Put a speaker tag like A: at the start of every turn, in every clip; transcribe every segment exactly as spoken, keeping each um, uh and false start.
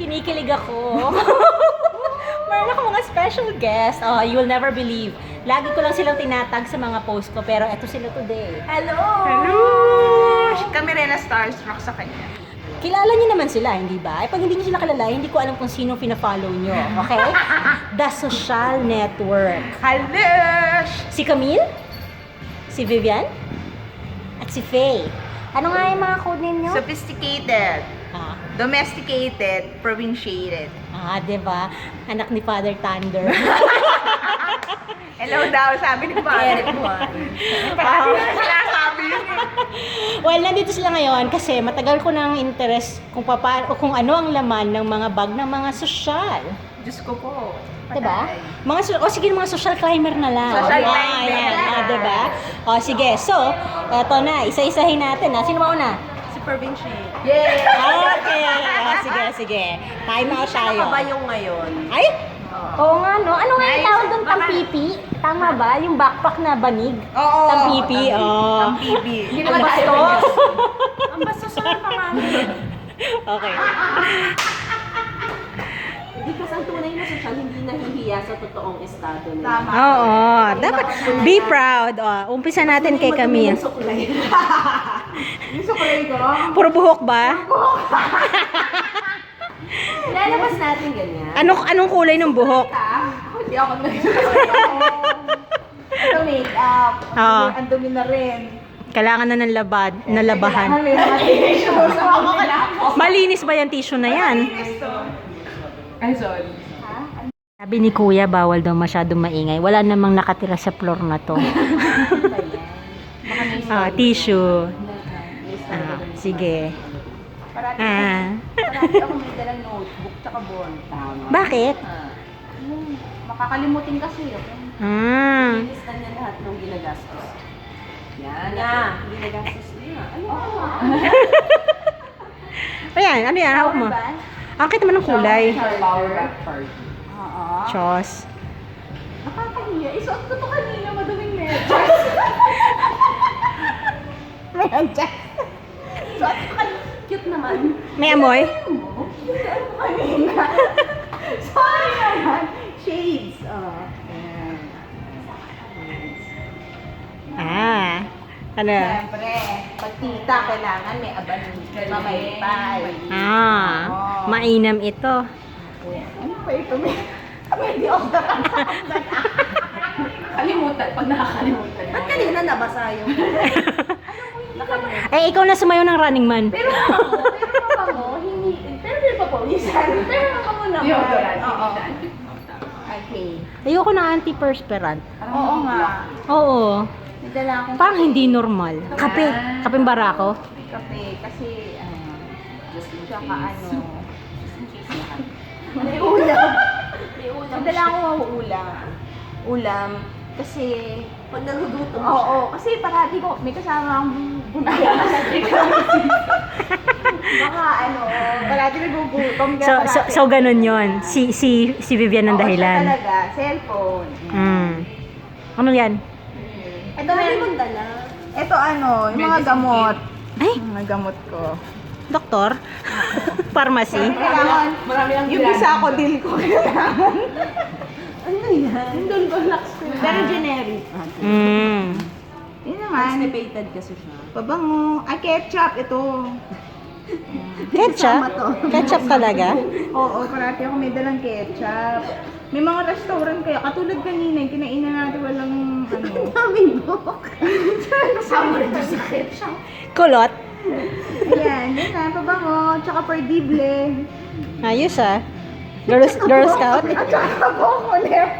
A: Kinikilig ako. Meron ako mga special guest. Oh, you will never believe. Lagi ko lang silang tinatag sa mga post ko, pero eto sila today.
B: Hello!
C: Hello!
B: Kami rin na starstruck sa kanya.
A: Kilala niyo naman sila, hindi ba? Eh, pag hindi niyo sila kilala, hindi ko alam kung sino pina-follow niyo, okay? The Social Network.
B: Hello!
A: Si Camille, si Vivian, at si Faye. Ano nga yung mga code ninyo?
B: Sophisticated,
A: Ah,
B: domesticated, provinciated.
A: ah, diba? Anak ni Father Thunder.
B: Hello daw, sabi ni Father Juan. Parang sinasabi yun eh.
A: Well, nandito sila ngayon kasi matagal ko ng interest kung papa, o kung ano ang laman ng mga bag ng mga sosyal.
B: Diyos ko po.
A: Diba?
B: Patay.
A: Mga, so- o sige, mga social climber na lang.
B: Social
A: Ah,
B: climber.
A: yan. Ah, diba? O sige, so, eto na, isa-isahin natin. Ha? Sino mauna?
C: Si Provincial.
B: Yay!
A: Okay. O, sige, sige. Time out tayo.
C: Nakabayong ngayon.
A: Ay! Oo nga, no? Ano nga yung
B: Nice.
A: tawag doon?
B: Baka-
A: Tampipi? Tama ba? Yung backpack na banig?
B: Oo.
A: Tampipi, oo.
B: Tampipi.
C: Hindi
A: Ang
C: naman tayo
A: bastos.
C: ganyan. Ang bastos na naman.
A: Okay.
C: Hindi kasi ang tunay na sosyal, hindi nahihiya sa totoong estado nila.
B: Tama.
A: Oo, dapat be proud. O, umpisa natin kay Camille.
C: Yung suklay.
B: Yung sukulay ko.
A: Puro buhok ba?
C: Lalabas natin ganyan.
A: Ano anong kulay ng buhok?
B: Ako hindi ako nag-sukulay. Ito make-up.
A: Oo.
B: Ang dumi na rin.
A: Kailangan na ng labad, nalabahan.
B: Kailangan may mga tissues. Ako kailangan.
A: Malinis ba yung tissue na yan?
B: Ay, sorry.
A: Sabi ni Kuya, bawal daw masyadong maingay. Wala namang nakatira sa floor na to. Ah, tissue. Ah, sige.
B: Parati,
A: Ah.
B: parati ako may dalang notebook tsaka bond. Tama.
A: Bakit?
B: Yung makakalimutin kasi ako.
A: Ah.
C: Lista niya lahat ng ginagastos. Yan. Na. Ginagastos niya. Ano?
A: Ayan, ano yan? Hawak mo. Ang kita naman ng kulay.
B: Power back party. Oo.
A: Chos.
B: Nakakahiya. Isuot ko to kanina, maduming medyas. Medyas. Isuot ko kanina.
C: Cute naman.
A: May amoy?
B: Isuot ko kanina. Sorry naman. Shades. Oh. Ayan.
A: Ah. Ano?
B: Siyempre, pag tita, kailangan may aban mamaypay.
A: Ah. Mainam ito.
B: Ano pa ito? May pwede off the
C: Kalimutan. Pag nakakalimutan. Ba't kanina nabasa yung...
A: Eh, ikaw na sumayo ng Running Man.
B: Pero ako, pero ako, hindi, pero hindi pa pawisan. Pero ako muna.
C: Deodorant,
B: Oo.
C: hindi
B: Okay.
A: Ayoko na antiperspirant.
B: Oo nga.
A: Oo.
B: Nadala akong
A: Parang hindi normal. Kape. Kapeng barako.
B: kape kasi, ano, tsaka ano, may ulam.
C: May ulam.
B: Nadala akong ulam. Ulam. Kasi,
C: Pag nagugutom
B: oo, oo, kasi parati ko, may kasama akong bunaya. Baka ano, parati nagugutom. kaya
A: So, so,
B: parati-
A: so ganun yon. Si, si, si Vivian ang
B: Oo, siya
A: dahilan.
B: talaga, cellphone.
A: Mm. Ano yan?
B: Ito,
C: Dami
B: meron-
C: mong dala.
B: ito ano, yung mga gamot.
A: Ay,
B: Yung mga gamot ko.
A: doktor? Pharmacy?
B: Kailangan,
C: Marami lang
B: yung isa ko, deal ko kailangan.
C: Ano yan? Yung doon ba lax ko?
B: Pero generic.
A: Mm.
B: Yun naman.
C: Constipated kasi siya.
B: Pabango. Ay, ketchup. Ito.
A: Ketchup? Ketchup talaga?
B: Oo, parati ako may dalang ketchup. May mga restaurant kaya, katulad kanina, yung kinainan natin walang ano.
C: Daming book. Kasama rin sa ketchup.
A: Kulot?
B: Ayan, yun na, pabango. Tsaka perdible.
A: Ayos ah. Girl, Girl Scout?
B: At saka pabango left.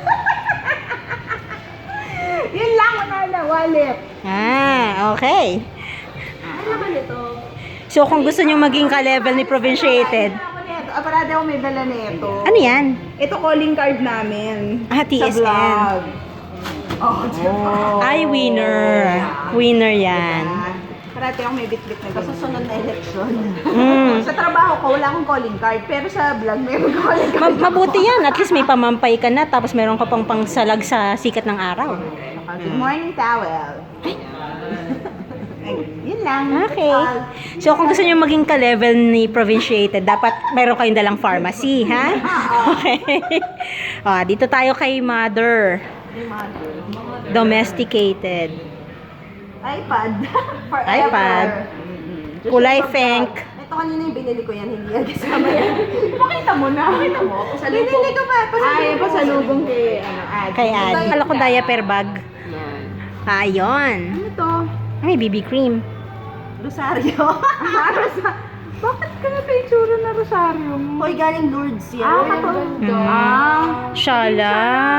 B: Yun lang, wala na, wallet.
A: Ah, okay.
C: Ano naman ito?
A: So kung gusto nyo maging ka-level ni Provinciated,
B: Ako nito. Ah, parati ako may dala nito.
A: ano yan?
B: Ito calling card namin.
A: Ah, T S N.
B: Sa vlog. Oh,
A: Oh. Ay, winner. Winner yan.
B: Parati ako may bit-bit na
C: Sa
B: ganun.
C: susunod na eleksyon.
A: Mm.
B: Sa trabaho ko, wala akong calling card. Pero sa vlog, meron calling card.
A: Ma- mabuti yan. At least may pamampay ka na tapos meron ka pang pangsalag sa sikat ng araw.
B: Good morning, towel. Ay, yun lang.
A: Okay. So, kung gusto niyo maging ka-level ni Provinciated, dapat meron kayong dalang pharmacy, ha? Okay. Ah, dito tayo kay Mother. Domesticated.
C: iPad. For
A: iPad. Kulay pink.
C: Ito kanina yung binili ko yan, hindi yan kasama yan.
B: Pakita mo na. Pakita mo. Binili ko ba? Ay, pasalubong kay, ano, Ad.
A: Kay Ad. Kala ko diaper bag.
C: Yan.
A: Ah, yun.
B: Ano to?
A: May B B cream.
C: Rosario.
B: Bakit ka na itsura na rosaryo mo?
C: Hoy, galing Lourdes yan.
B: Ah, katulad to.
A: Mm.
B: Ah.
A: Shala.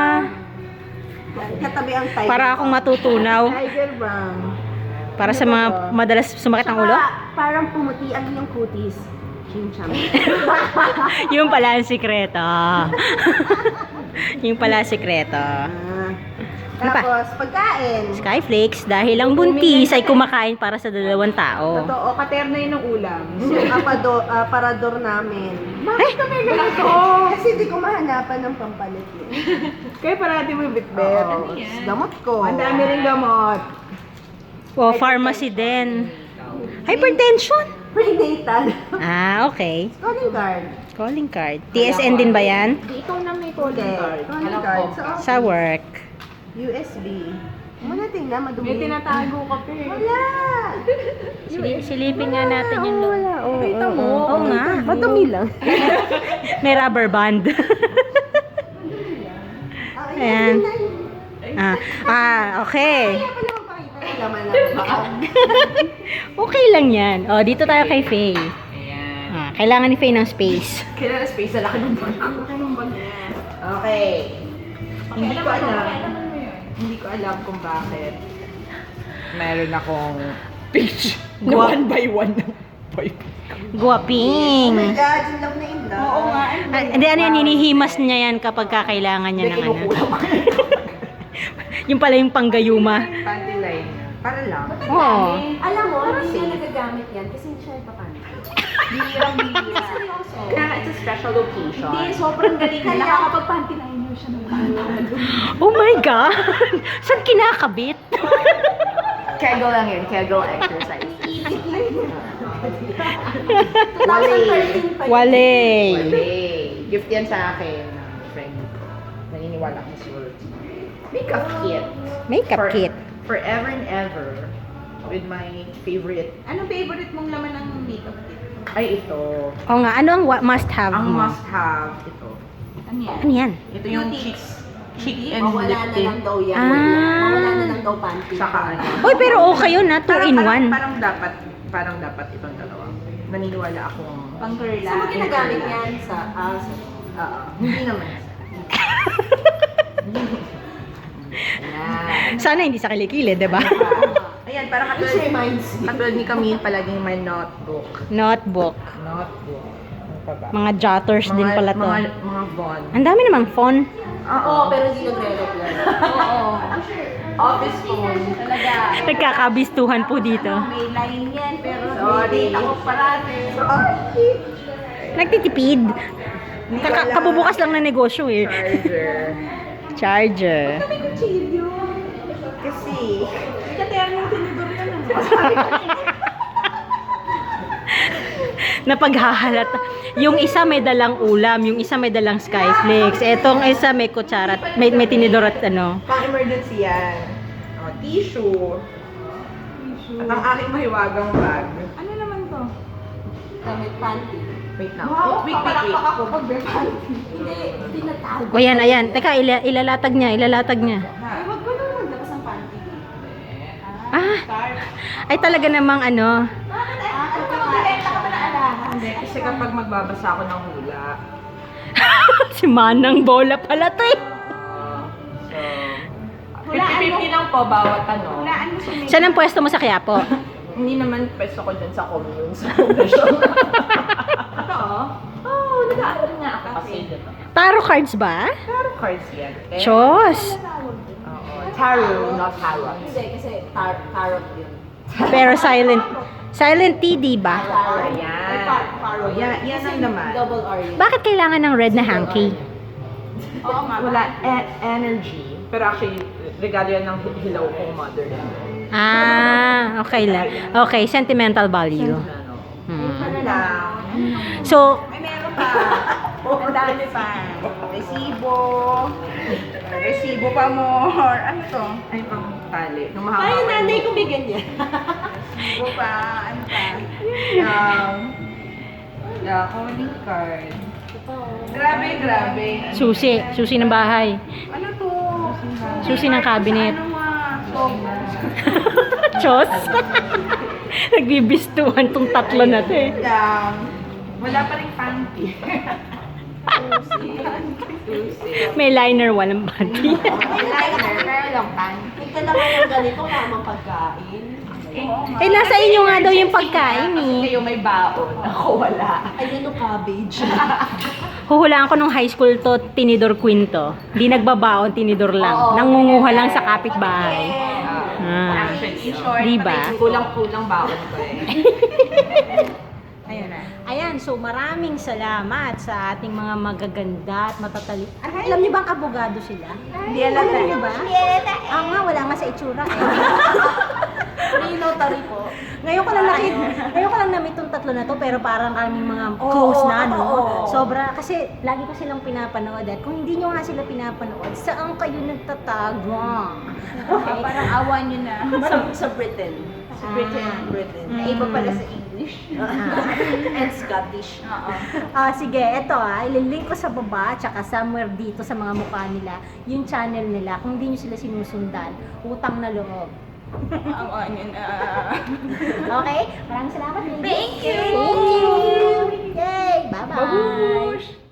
C: Katabi ang tiger.
A: Para akong matutunaw.
B: Tiger Balm.
A: Para sa mga madalas sumakit ang ulo.
C: Tsaka, parang pumuti ang iyong kutis. Chim-cham.
A: Yung pala ang sikreto. Yung pala ang sikreto.
C: Ah.
A: Ano pa?
C: Tapos, pagkain.
A: Skyflakes, dahil ang buntis ay kumakain para sa dalawang tao.
B: Totoo, katerno yun ng ulam.
C: Yung apado, ah, parador namin.
B: Bakit kami ganito?
C: Kasi di ko mahanapan ng pampalit yun.
B: Kaya parati mo yung bitbet.
C: Oo, gamot ko.
B: Ang dami rin gamot.
A: O, pharmacy din. Hypertension.
C: Prenatal.
A: Ah, okay.
C: Calling card.
A: Calling card. T S N din ba yan?
B: Di ikaw na may calling
C: Okay.
B: card.
C: Calling card. Sa office.
A: Sa work.
C: U S B. Muna tingnan, madumi.
B: May tinatago ka pa eh.
C: Wala.
A: Sili- silipin nga natin yung
C: Oo, wala. Oo,
B: Kita
C: oo,
B: mo.
C: oo.
A: Oo nga.
C: Madumi lang.
A: May rubber band.
C: Ah,
A: Ayan.
C: yun, yun, yun.
A: ah, ah, okay.
C: Kaya pala magpakita ng laman ng bag.
A: Okay lang yan. O, dito tayo kay Faye. Ah, kailangan ni Faye ng space.
B: Kailangan space sa laki ng bag. Laki ng bag niya.
C: Okay.
B: Hindi ko alam. Hindi ko alam kung bakit. Meron akong page. One by one ng boy.
A: Guwaping.
C: Oh my God, in love na in love.
B: Oo nga.
A: Ah, Hindi, ano yan, hinihimas niya yan kapag kakailangan niya ng ano. Yung pala yung panggayuma.
B: Panty line. Para lang.
A: Oo.
C: Alam mo, hindi niya nagagamit yan kasi hindi siya ipapan.
B: Bihirang bihira.
C: Seryoso.
B: Kaya it's a special occasion.
C: Hindi, sobrang galing niya.
B: Nakakapag-panty line niyo siya ng
A: Oh my God! Saan kinakabit?
B: Kegel lang yun. Kegel exercise.
C: twenty thirteen pa yun.
A: Wale.
B: Wale. Gift yan sa akin ng friend ko. Naniniwala ko sure. Makeup kit.
A: Makeup
B: For-
A: kit.
B: Forever and ever. With my favorite.
D: Anong favorite mong laman ng makeup kit?
B: Ay, ito.
A: O nga, ano ang wa- must have
B: Ang
A: mo?
B: must have. Ito.
D: Ano yan?
A: Ano yan?
B: Ito yung
C: Beauty.
B: cheeks. Cheek and
C: Mawala
B: lip
C: na
B: tint.
C: lang daw yan.
A: Ah.
C: Mawala na lang daw panty.
B: Saka ano.
A: Uy, pero okay yun na. Two
B: Parang-
A: in
B: parang-
A: one.
B: Parang dapat, parang dapat itong dalawa. Naniniwala akong,
D: Pang curl
C: Saan mo ginagamit yan? Sa, ah, sa,
B: oo, hindi naman. Ayan.
A: Sana hindi sa kilikili, di ba?
B: Ayan, parang
C: which
B: katulad,
C: reminds me.
B: katulad ni Camille, palaging may notebook.
A: Notebook.
B: Notebook. Ano pa ba?
A: Mga jotters din pala to.
B: Mga, mga bond.
A: Ang dami namang phone.
C: Oo, pero hindi nagre-reply.
D: Oo.
B: Office phone.
D: Talaga.
A: Nagkakabistuhan po dito.
D: May line yan, pero
B: Sorry.
D: may date ako parati.
B: Sorry.
A: Nagtitipid. Kaka-
B: wala.
A: kabubukas lang ng negosyo eh.
B: Charger.
A: Charger.
D: May kutsilyo.
B: Kasi,
D: Katerno yung tinidor yan. Ano?
A: Napaghahalata. Yung isa may dalang ulam, yung isa may dalang skyflakes. Etong isa may kutsara, at- may, may tinidor at ano.
B: pang emergency yan. Oh, tissue. At ang aking mahiwagang bag.
D: Ano naman to?
C: Damit panty.
B: Wait lang.
D: Wow,
B: wait, wait, wait.
D: papalakpak ako pag may panty.
C: Hindi, tinatago.
A: O yan, ayan. Teka, ila- ilalatag niya, ilalatag niya.
D: Ay, wag ko naman maglabas ng panty.
A: Ah, ay talaga namang ano.
D: Bakit? Ah, ano ba? Magbibenta ka ba na alahan?
B: Hindi, kasi kapag magbabasa ako ng hula,
A: Si Manang Bola pala to eh.
B: uh, so,
D: Hulaan mo.
B: fifty fifty lang po bawat ano.
D: Hulaan mo sa makeup.
A: Saan ang pwesto mo sa Quiapo?
B: Hindi naman pwesto ko dyan sa commune sa foundation.
D: Totoo?
B: Oo, oh, nag-aaral nga ako kasi dito.
A: Tarot cards ba?
B: Tarot cards yan. Eh,
A: Chos.
B: Oo, tarot, not tarot.
C: Hindi, kasi tar- tarot yun.
A: Pero silent. Silent T, di ba?
B: Oh, yan. Oh, yan, yan ang naman.
C: Double R yun.
A: Bakit kailangan ng red na hanky?
D: Oo nga.
B: Wala e- energy. Pero actually, regalo yan ng hilaw kong mother.
A: Ah, okay lang. Okay, sentimental value. Hmm.
B: Ano lang.
A: So,
B: Ay, meron pa. Ang dami pa. Resibo. Resibo pa more. Ano to? Ay, pang tali. Nung mahaba.
C: Parang nanay ko may ganyan.
B: Resibo pa. Ano pa? Um, yeah, calling card. Grabe, grabe.
A: susi. Susi ng bahay.
B: Ano to?
A: Susi ng cabinet.
B: Ano nga? Stop.
A: Chos. Nagbibistuhan tong tatlo na to eh.
B: Um, wala pa rin panty.
A: May liner, walang panty.
B: May liner, pero lang panty.
C: May kailangan ng ganito, lamang pagkain.
A: Eh, nasa inyo nga daw yung pagkain
B: Kasi
A: eh.
B: kayo may baon. Ako wala.
C: Ay, ano cabbage?
A: Huhulaan ko nung high school to, tinidor queen to. Di nagbabaon, tinidor lang.
C: Oo.
A: Nangunguha lang sa kapitbahay. Ah.
B: Actually, in short,
A: Diba?
B: kulang-kulang baon ko eh. Ayun na.
A: Ayan, so maraming salamat sa ating mga magaganda at matatali. Alam niyo ba ang abogado sila?
B: Hindi alam
A: Alam
B: na.
A: niyo ba? Ah, nga, wala nga sa itsura eh.
C: Free notary po.
A: Ngayon ko lang nakita, ngayon ko lang na-meet tong tatlo na to, pero parang kaming mga close na, no?
C: oo.
A: Sobra, kasi lagi ko silang pinapanood at kung hindi nyo nga sila pinapanood, saan kayo nagtatago? Okay?
B: Parang awan nyo na.
C: Sa, sa Britain.
B: Sa Britain.
A: Ah.
C: Britain.
A: Mm.
B: Iba pala sa English.
C: And Scottish.
B: Oo.
A: Ah, sige, eto ah, ililink ko sa baba, tsaka somewhere dito sa mga mukha nila, yung channel nila. Kung hindi nyo sila sinusundan, utang na loob.
B: Awan nyo na.
A: Okay? Maraming salamat. Lily.
B: Thank you.
A: Thank you. Yay! Bye-bye.
B: Babush!